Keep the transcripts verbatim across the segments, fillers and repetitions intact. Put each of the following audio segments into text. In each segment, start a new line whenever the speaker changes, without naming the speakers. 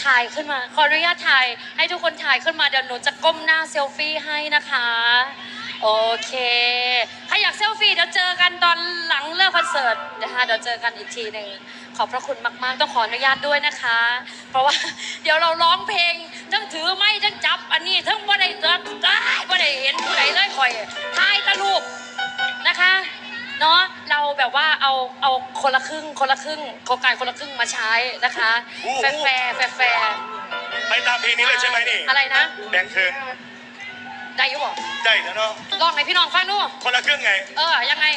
ถ่ายขึ้นมาขออนุญาตถ่ายให้ทุกคนถ่ายขึ้นมาเดี๋ยวหนูจะก้มหน้าเซลฟี่ให้นะคะโอเคใครอยากเซลฟี่เดี๋ยวเจอกันตอนหลังเลิกคอนเสิร์ตนะคะเดี๋ยวเจอกันอีกทีหนึ่งขอบพระคุณมากๆต้องขออนุญาตด้วยนะคะ เพราะว่าเดี๋ยวเราร้องเพลงทั้งถือไม้ทั้งจับอันนี้ทั้งบ่ได้ได้บ่ได้เห็นผู้ใดเลยคอยถ่ายตะลูปนะคะเนาะเราแบบว่าเอาเอาคนละครึ่งคนละครึ่งโครงการคนละครึ่งมาใช้นะคะแฟร์แฟร์แฟร์แฟร์
ไปตามเพลงนี้เลยใช่ไหมนี่
อะไรนะ
แบ่งครึ่ง
ได้ยุบบอก
ได้แล้วเนาะ
ลองให้พี่น้องฟังดู
คนละครึ่งไง
เออยังไง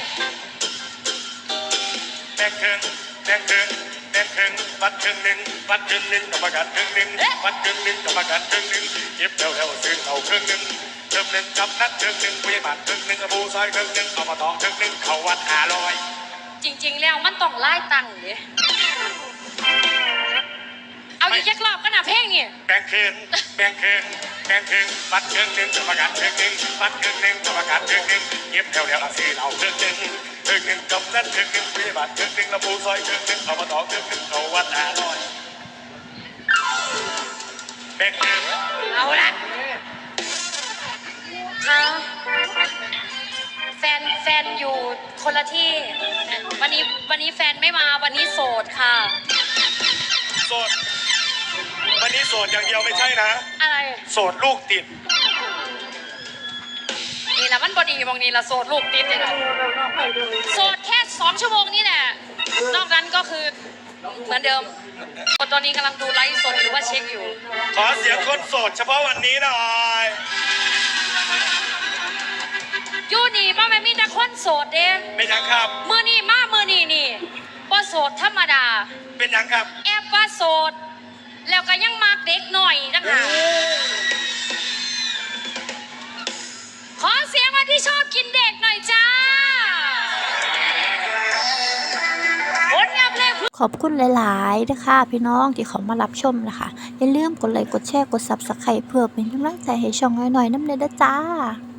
แบ่งครึ่งแบ่งครึ่งแบ่งครึ่งวัดครึ่งหนึ่งวัดครึ่งหนึ่งกรรมการครึ่งหนึ่งวัดครึ่งหนึ่งกรรมการครึ่งหนึ่งเก็บเร็วๆซื้อเอาครึ่งหนึ่งครึ่งหนึ่งกับนัดครึ่งหนึ่งผู้ใหญ่บ้านครึ่งหนึ่งอบูซอยครึ่งหนึ่งเอามาต่อครึ่งหนึ่งเขาวัดห้าร้อย
จริงๆแล้วมันต้องไล่ตังค์ดิเอาอีกแค่รอบก็น่าเพลงนี่
แบ่งครึ่งแบ่งครึ่งแบ่งครึ่งวัดครึ่งหนึ่งกรรมการครึ่งหนึ่งวัดครึ่งหนึ่งกรรมการครึ่งหนึ่งเก็บเร็วๆซื้อเอาครึ่งหนึ่งครึ่งหนึ่งกับนัดครึ่งหนึ่งผู้ใหญ่บ้านครึ่งหนึ่งอบูซอยครึ่งหนึ่งเอามาต่อครึ่งหนึ่งเขาวัดห้าร้อยแบ่งครึ่ง
เอาละค่ะแฟนแฟนอยู่คนละที่วันนี้วันนี้แฟนไม่มาวันนี้โสดค่ะ
โสดวันนี้โสดอย่างเดียวไม่ใช่นะ
อะไร
โสดลูกติด
นี่นะมันบอดีมองนี่ละโสดลูกติดเลยนะโสดแค่สองชั่วโมงนี่แหละนอกนั้นก็คือเหมือนเดิมตอนนี้กำลังดูไลฟ์สดหรือว่าเช็คอยู่
ขอเสียงคนโสดเฉพาะวันนี้หน่อย
ยูนี่ป้าแม่มีแต่คนโสดเด้
เป็นยังครับ
มือนี่มามือนี่นี่ว่าโสดธรรมดา
เป็นยังครับ
แอบว่าโสดแล้วก็ยังมาเด็กหน่อยจังหาขอเสียงมาที่ชอบกินเด็กหน่อยจ้า
ขอบคุณหลายๆนะคะพี่น้องที่เขามารับชมนะคะอย่าลืมกดไลค์กดแชร์กดซับสไครป์เพื่อเป็นกำลังใจให้ช่องน้อยๆน้ำเนยด้วยจ้า